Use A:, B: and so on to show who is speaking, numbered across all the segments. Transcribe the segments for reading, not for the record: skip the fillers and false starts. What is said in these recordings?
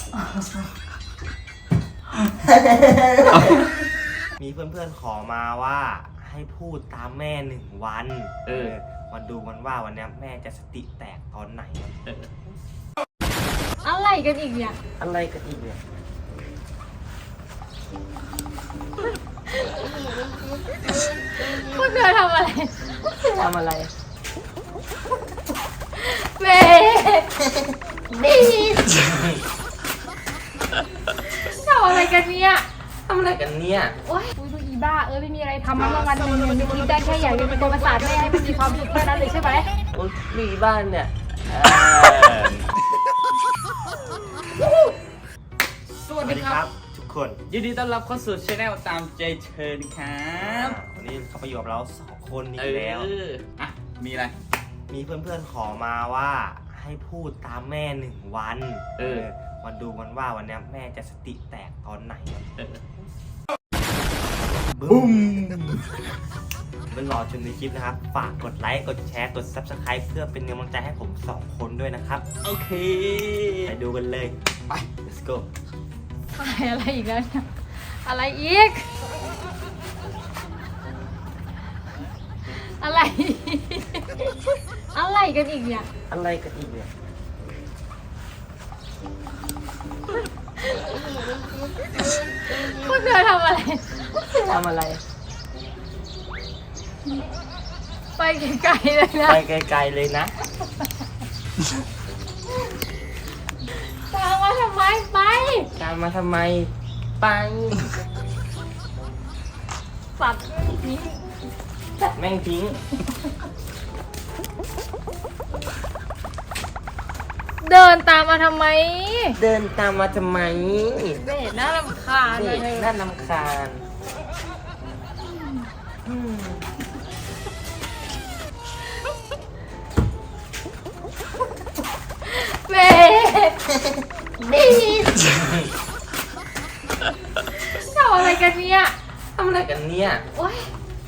A: มีเพื่อนๆขอมาว่าให้พูดตามแม่1 วันมาดูกันว่าวันนี้แม่จะสติแตกตอนไหน
B: อะไรกันอีกเนี่ย
A: อะไรกันอีกเนี่ย
B: พวกเธอทำอะไร
A: ทำอะไร
B: เม่ดีทำอะไรกันเนี่ย
A: ทำอะไรกันเนี่ย
B: โอ๊ยดูอีบ้าไม่มีอะไรทำมาวันหนึ่งเนี่ยคิดได้แค่อยากเป็นตัวประสาทแม่ให้มันมีความสุขแค่นั้นเลยใช่ไหม
A: โอ๊ยมีบ้านเนี่ย
B: สวัสดีครับ
A: ทุกคน
C: ยินดีต้อนรับเข้าสู่ช anel ตามใจเชิญครับ
A: วันนี้เขาไปอยู่กับเรา2 คนอีกแล้ว
C: อ่ะมีอะไร
A: มีเพื่อนๆขอมาว่าให้พูดตามแม่1 วันมาดูกันว่าวันนี้แม่จะสติแตกตอนไหนบึ้มเป็นรอชมในคลิปนะครับฝากกดไลค์กดแชร์กด Subscribe เพื่อเป็นกำลังใจให้ผม2 คนด้วยนะครับ
C: โอเค
A: ไปดูกันเลยไป let's go
B: ถ่ายอะไรอีกแล้วเนี่ยอะไรอีกอะไรอะไรกันอีกเนี่ย
A: อะไรกันอีกเนี่ย
B: พวกเธอทำอะไรไปไกลๆเลยนะ
A: ไปไกลๆเลยนะ
B: ตามมาทำไมไป
A: ตามมาทำไมไป
B: สัตว์ทิ้ง
A: แม่งทิ้ง
B: เดินตามมาทำไม
A: เดินตามมาทำไม
B: เด็กน่ารำคาญเลย
A: น่ารำคาญ
B: เม่ดีทำอะไรกันเนี่ย
A: ทำอะไรกันเนี่ย
B: โอ๊ย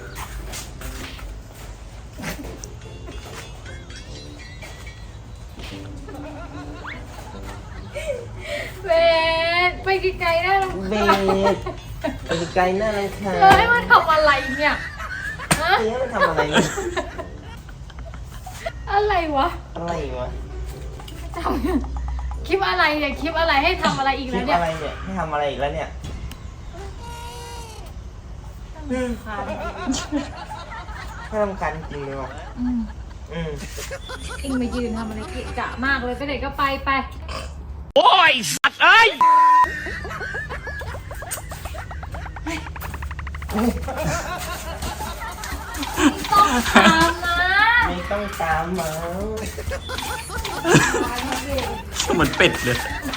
B: เบสไปไกลๆน่ารำคาญ
A: ไปไกลน่ารำคาญ
B: ให้มันทำอะไรเนี่ยฮะ
A: ให้มันทำอะไรเนี่ย
B: อะไรวะทำคลิปอะไรเนี่ยคลิปอะไรให้ทำอะไรอีกแล้วเนี่ย
A: คลิปอะไรเนี่ยให้ทำอะไรอีกแล้วเนี่ยให้ทำการจริงเลยว่ะ
B: อิงมายืนทำอะไรเกะกะมากเลยไปไหนก็ไป
C: โอ้ยสัตว์เอ้ย
B: ไม่ต้องตามนะ
A: เหมือนเป็ดเลย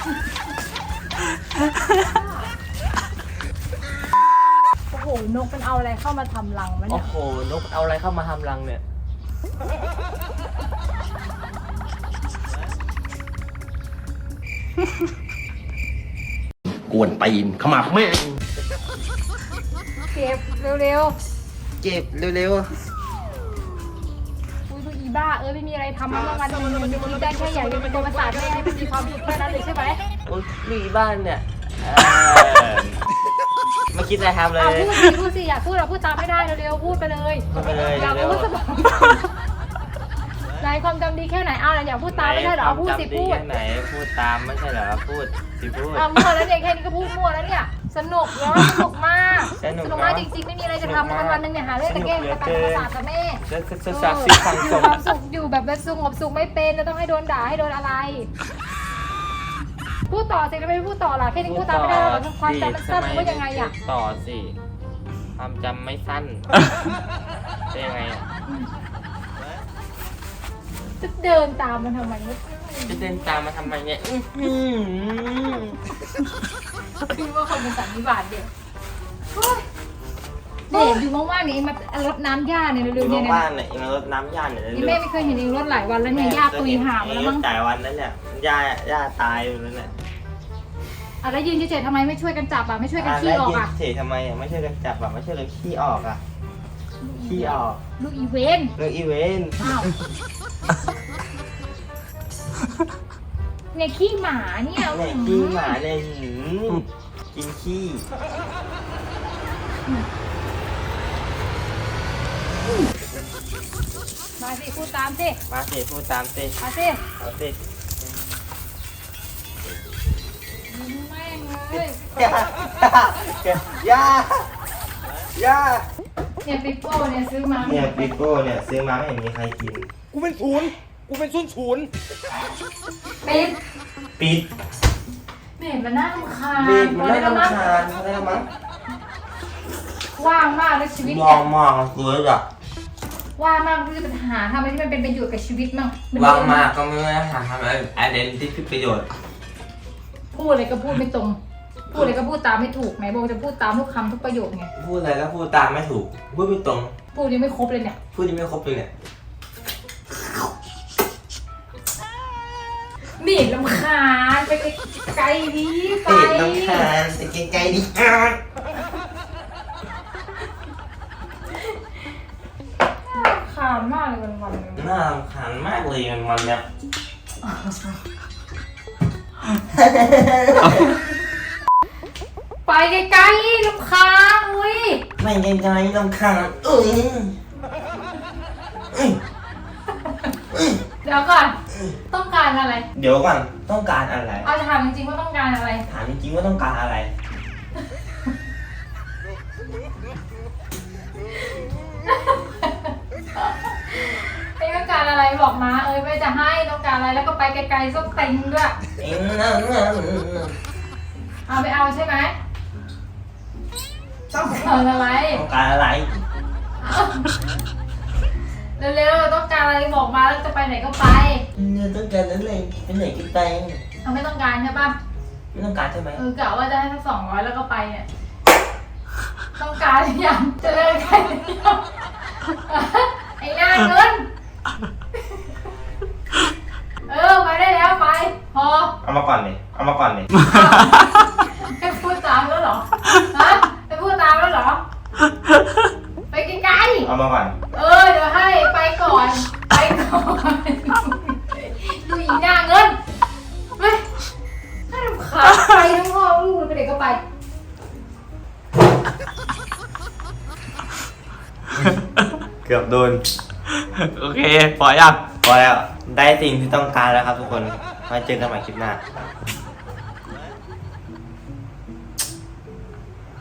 B: โอ้โหนกมันเอาอะไรเข้ามาทำรังวะเนี่ย
A: โอ้โหนกเอาอะไรเข้ามาทำรังเนี่ยกวนตีนขมับแม่
B: เก็บเร็วอุ้ยดูอีบ้าไม่มีอะไรทำมาวันหนึ่งเนี่ยคิดได้แค่อยากเป็นตัวประสาทแม่ให้มันมีความสุขแค่นั้นเลยใช่ไหม
A: โอ้ยมีบ้านเนี่ยไม่คิดอะไรทำเลย
B: พูดสิอยากพูดเราพูดตามไม่ได้เร็วพูดไปเลยอยากพูดสมองนายความจำดีแค่ไหนเอาอยากพูดตามไม่ได้หรอพูดสิพูด
A: แค่ไหนพูดตามไม่ใช่เหรอพูดสิพูด
B: มั่วแล้วเนี่ยแค่นี้ก็พูดมั่วแล้วเนี่ยสนุกแล้วสนุกมากจริงๆไม่มีอะไรจะทำวันนึงเนี่ยหาเรื่องตะเกียงตะการประสาทกับแม่ความสุขอยู่แบบสงบสุขไม่เป็นจะต้องให้โดนด่าให้โดนอะไรพูดต่อสิแล้วไม่พูดต่อล่ะแค่นี้พูดตามไม่ได้หรอความจำมันสั้นหรือว่ายังไงอ่ะ
A: ต่อสิความจำไม่สั้นเป็นยังไงอ่ะ
B: จะเดินตามมันทำไมเนี่ยพี่ว่าเขาเป็นสันนิบาตเด็กอยู่ว่างๆนี่มารดน้ำหญ้าเนี่ยเร็วๆเนี่ย
A: ว่างๆเนี่ยมารดน้ำหญ้าเนี่ย
B: แม่ไม่เคยเห็นเองรดหลายวันแล้วเนี่ยหญ้าตุยหามาแล้วมั้ง
A: จ่ายวันนั้นเนี่ยหญ้าตายอยู่แล้วเนี่ย
B: แล้วยืนเฉยๆทำไมไม่ช่วยกันจับอ่ะไม่ช่วยกันขี้ออกอ่ะ
A: เฉยทำไมไม่ช่วยกันจับอ่ะไม่ช่วยกันขี้ออกอ่ะขี้ออก
B: ลูกอีเวนอ้าวเนี่ยขี้หมาเนี่ย
A: เนี่ยขี้หมาเนี่ยกินขี้
B: มาสิพูดตามสิ
A: มาสิพูดตามสิ
B: มาสิ
A: เอาสิ
B: แม่งเลย
A: ย่า
B: เนี่ยปิโป้เนี่ยซื้อมา
A: เนี่ยปิโก้เนี่ยซื้อมาไม่เห็นมีใครกิน
C: กูเป็นศูนย์
B: ปิด
A: ปิด
B: เบ็ดมันน่ารำคาญ
A: ปิดมัน
B: พอ
A: ไม่
B: แล้วมั้ง
A: รำคาญไม่ได้มั้ง
B: ว่างมากเลยชีวิต
A: ม
B: เนี่
A: อย งมองสวยอ่ะ
B: ว่างมากที่จะหาทำอะไรที่มันเป็นประโยชน์กับชีวิตมั่งน
A: วางมากก็ไม่ได้หาทำอะไรที่เป็นประโยชน์
B: พูดอะไรก็พูดไม่ตรง พูดอะไรก็พูดตามไม่ถูกไหนบอกจะพูดตามทุกคำทุกประโยคไง
A: พูดอะไรก็พูดตามไม่ถูกพูดไม่ตรง
B: พูดยังไม่ครบเลยเนี่ย
A: พูดยังไม่ครบเลยเนี่ย
B: หนีลำคาญไปไกลๆดีไป
A: ติดน้ำคาญไปไกลๆดิ
B: ขานมากเลยวันๆเนี่ย
A: น่ารำคาญมากเลยมันเนี่ย
B: ไปไกลๆลำคาญอุ้ย
A: ไม่ไกลๆรำคาญ
B: เดี๋ยวก่อน ต้องการอะไร
A: เดี๋ยวก่อนต้องการอะไร
B: เอาจะถามจริงๆว่าต้องการอะไร
A: ถามจริงๆว่าต้องการอะไร
B: ไอ้ต้องการอะไรบอกมาไม่จะให้ต้องการอะไรแล้วก็ไปไกลๆส้มเต็งด้วยเอาไม่เอาใช่ไหมต้องการอะไร
A: ต้องการอะไร
B: เร็วๆต้องการอะไรบอกมาแล้วจะไปไหนก็ไป
A: เนี่ยต้องการอะไรไปไหนก็ไป
B: เอาไม่ต้องการใช่ปะ
A: ไม่ต้องการใช่ไหม
B: กะว่าจะให้สัก200แล้วก็ไปเนี่ย ต้องการหรือยังจะเลิกกันหรือยังไอ้หน้าเงินไปได้แล้วไปพอ
A: เอามาก่อนเลยเอามาก่อนเลย
B: ให้พูดตามแล้วเหรอฮะให้พูดตามแล้วเหรอไปไกล
A: เอามาก่อน
B: ๆเดี๋ยวให้ไปก่อนไปก่อนดูอีหน้าเงินไปให้รำคาญไปทั้งพ่อลูกเลยไปเด็กก็ไป
A: เกือบโดน
C: โอเคพอยัง
A: พอแล้วได้สิ่งที่ต้องการแล้วครับทุกคนมาเจอกันใหม่คลิปหน้า